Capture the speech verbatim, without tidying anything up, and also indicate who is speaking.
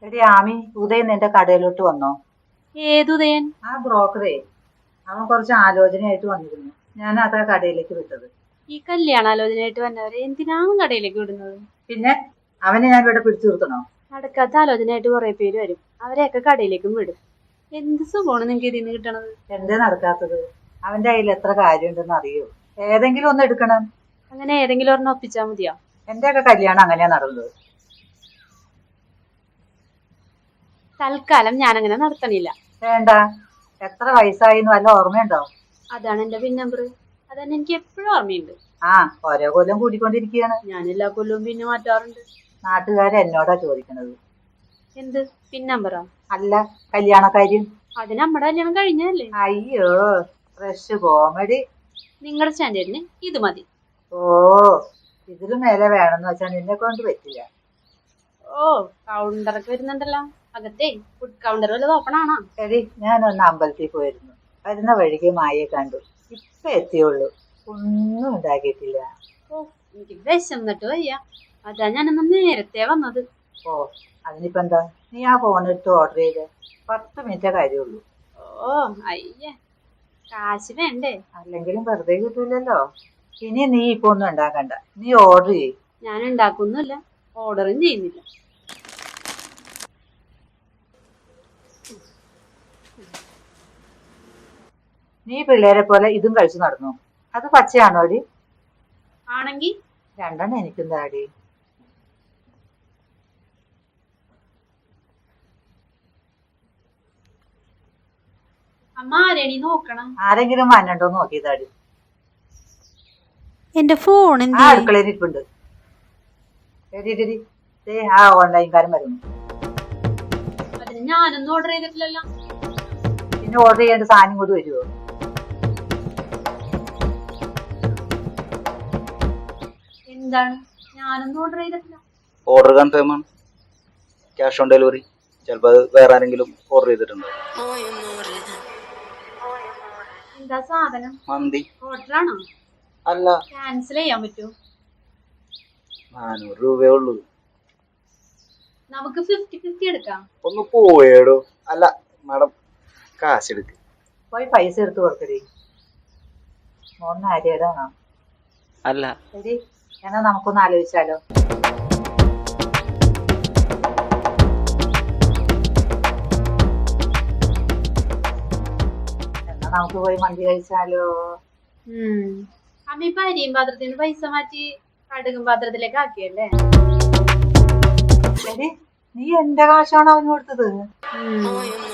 Speaker 1: എടി ആമി, ഉദയൻ നിന്റെ കടയിലോട്ട് വന്നോ?
Speaker 2: ഏതുദയൻ?
Speaker 1: ആ ബ്രോക്കറേ, അവൻ കുറച്ച് ആലോചനയായിട്ട് വന്നിരുന്നു. ഞാൻ അതാ കടയിലേക്ക് വിട്ടത്.
Speaker 2: ഈ കല്യാണാലോചനയായിട്ട് വന്നവരെ എന്തിനാണ് കടയിലേക്ക് വിടുന്നത്?
Speaker 1: പിന്നെ അവനെ ഞാൻ ഇവിടെ പിടിച്ചു നിർത്തണോ?
Speaker 2: നടക്കാത്ത ആലോചനയായിട്ട് കുറെ പേര് വരും, അവരെയൊക്കെ കടയിലേക്കും വിടും. എന്ത് സുഖമാണ് നിങ്ങക്ക് ഇതിന്ന് കിട്ടണത്?
Speaker 1: എന്തേ നടക്കാത്തത്? അവന്റെ കയ്യിൽ എത്ര കാര്യമുണ്ടെന്ന് അറിയോ? ഏതെങ്കിലും ഒന്ന് എടുക്കണം.
Speaker 2: അങ്ങനെ ഏതെങ്കിലും ഒരെണ്ണം ഒപ്പിച്ചാ മതിയോ?
Speaker 1: എന്റെ ഒക്കെ കല്യാണം അങ്ങനെയാ നടന്നത്.
Speaker 2: തൽക്കാലം ഞാൻ അങ്ങനെ നടത്തണില്ല.
Speaker 1: വേണ്ട. എത്ര വയസ്സായിന്ന് വല്ല ഓർമ്മയുണ്ടോ?
Speaker 2: അതാണ് എന്റെ പിൻ നമ്പർ. അതന്നെ എനിക്ക് എപ്പോഴും ഓർമ്മയുണ്ട്.
Speaker 1: ആ, ഓരോ കൊല്ലം കൂടിക്കൊണ്ടിരിക്കുകയാണ്.
Speaker 2: ഞാൻ എല്ലാ കൊല്ലവും പിന്നെ മാറ്റാറുണ്ട്.
Speaker 1: നാട്ടുകാരെ എന്നോടാ ചോദിക്കണത്.
Speaker 2: എന്ത് പിൻ നമ്പറാ?
Speaker 1: അല്ല, കല്യാണക്കാര്യം.
Speaker 2: അത് നമ്മുടെ കല്യാണം കഴിഞ്ഞല്ലേ?
Speaker 1: അയ്യോ, ഫ്രഷ് കോമഡി.
Speaker 2: നിങ്ങളുടെ സ്റ്റാൻഡേർഡിന് ഇത് മതി.
Speaker 1: ഓ, ഇതിലും മേലെ വേണമെന്ന് വെച്ചാൽ നിന്നെ കൊണ്ട് പറ്റില്ല.
Speaker 2: ഓ, കൗണ്ടറൊക്കെ വരുന്നുണ്ടല്ലോ. അകത്തേ ഫുഡ് കൗണ്ടർ വല്ലത് ഓപ്പൺ ആണോ?
Speaker 1: എടി, ഞാനൊന്ന് അമ്പലത്തിൽ പോയിരുന്നു. വരുന്ന വഴിക്ക് മായയെ കണ്ടു. ഇപ്പൊ എത്തിയുള്ളൂ. ഒന്നും ഉണ്ടാക്കിയിട്ടില്ല.
Speaker 2: ഓ, എനിക്ക് വിശന്നിട്ട് വയ്യ. അതാ ഞാനൊന്ന് നേരത്തെ വന്നത്.
Speaker 1: ഓ, അതിനിപ്പോ എന്താ? നീ ആ ഫോൺ എടുത്ത് ഓർഡർ ചെയ്ത് പത്ത് മിനിറ്റേ കാര്യമുള്ളൂ.
Speaker 2: ഓ അയ്യേ, കാശ് വേണ്ടേ?
Speaker 1: അല്ലെങ്കിലും വെറുതെ കിട്ടൂലല്ലോ. ഇനി നീ ഇപ്പൊ ഒന്നും ഉണ്ടാക്കണ്ട. നീ ഓർഡർ ചെയ്യ്.
Speaker 2: ഞാൻ ഉണ്ടാക്കുന്നില്ല, ഓർഡറും ചെയ്യുന്നില്ല.
Speaker 1: നീ പിള്ളേരെ പോലെ ഇതും കഴിച്ചു നടന്നു. അത് പച്ചയാണോ അടി?
Speaker 2: ആണെങ്കി
Speaker 1: രണ്ടെണ്ണം എനിക്കും താടി.
Speaker 2: അമ്മ ആരെണി നോക്കണം.
Speaker 1: ആരെങ്കിലും വന്നണ്ടോ നോക്കിയതാടി.
Speaker 2: എന്റെ ഫോൺ
Speaker 1: ആ അടുക്കളയിൽ ഇരിപ്പുണ്ട്. ആ ഓൺലൈൻകാരൻ വരുന്നു.
Speaker 2: അതിന് ഞാനൊന്നും ഓർഡർ ചെയ്തിട്ടില്ലല്ലോ.
Speaker 1: പിന്നെ ഓർഡർ ചെയ്യേണ്ട സാധനം കൂടി വരുമോ?
Speaker 2: എന്താണ്? ഞാനൊന്നും ഓർഡർ ചെയ്തിട്ടില്ല.
Speaker 3: ഓർഡർ കൺഫേം ആണ്. Cash on delivery. ചിലപ്പോൾ അത് വേറെ ആരെങ്കിലും ഓർഡർ ചെയ്തിട്ടുണ്ടോ?
Speaker 2: എന്താ സാധനം?
Speaker 3: മന്തി.
Speaker 2: ഓർഡർ ആണോ?
Speaker 3: അല്ല.
Speaker 2: ക്യാൻസൽ ചെയ്യാൻ പറ്റുമോ?
Speaker 3: നാനൂറ് രൂപയേ ഉള്ളൂ.
Speaker 2: നമുക്ക് ഫിഫ്റ്റി ഫിഫ്റ്റി എടുക്കാം.
Speaker 3: ഒന്ന് പോയേടോ. അല്ല മാഡം, കാശ് എടുക്ക്.
Speaker 1: പോയി പൈസ എടുത്ത് കൊടുക്കടി. മോന്ന് ആര്യാടാണോ?
Speaker 3: അല്ല.
Speaker 1: ശരി, എന്നാ നമുക്കൊന്ന് ആലോചിച്ചാലോ? എന്നാ നമുക്ക് പോയി മന്തി കഴിച്ചാലോ?
Speaker 2: അമ്മ ഇപ്പൊ അരിയും പാത്രത്തിന് പൈസ മാറ്റി കടുകും പാത്രത്തിലേക്ക് ആക്കിയല്ലേ?
Speaker 1: ശരി, നീ എന്റെ കാശാണ് അവന് കൊടുത്തത്.
Speaker 2: ഉം